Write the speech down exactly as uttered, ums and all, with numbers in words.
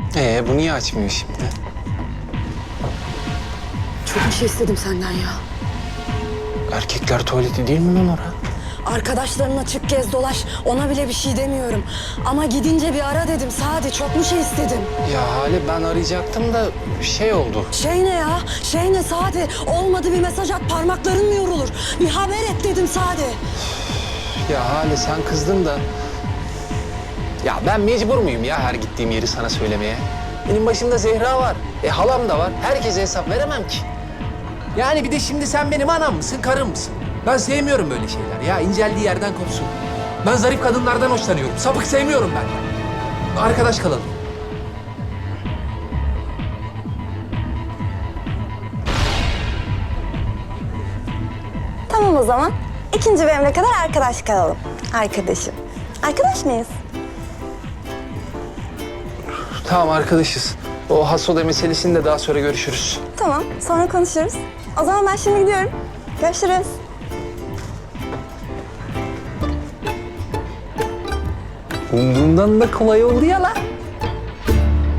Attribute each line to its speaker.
Speaker 1: Ee bu niye açmıyor şimdi?
Speaker 2: Çok bir şey istedim senden ya.
Speaker 1: Erkekler tuvaleti değil mi lan ora?
Speaker 2: Arkadaşlarınla çık gez dolaş. Ona bile bir şey demiyorum. Ama gidince bir ara dedim Sadi. Çok mu şey istedim?
Speaker 1: Ya Hale ben arayacaktım da şey oldu.
Speaker 2: Şey ne ya? Şey ne Sadi? Olmadı bir mesaj at, parmakların mı yorulur? Bir haber et dedim Sadi.
Speaker 1: Ya Hale sen kızdın da... Ya ben mecbur muyum ya her gittiğim yeri sana söylemeye? Benim başımda Zehra var. E halam da var. Herkese hesap veremem ki. Yani bir de şimdi sen benim anam mısın, karım mısın? Ben sevmiyorum böyle şeyler ya. İnceldiği yerden kopsun. Ben zarif kadınlardan hoşlanıyorum. Sapık sevmiyorum ben. Arkadaş kalalım.
Speaker 3: Tamam o zaman. İkinci bölüme kadar arkadaş kalalım. Arkadaşım. Arkadaş mıyız?
Speaker 1: Tamam arkadaşız. O Hasoda meselesini de daha sonra görüşürüz.
Speaker 3: Tamam, sonra konuşuruz. O zaman ben şimdi gidiyorum. Görüşürüz.
Speaker 1: Umduğumdan da kolay oldu ya lan.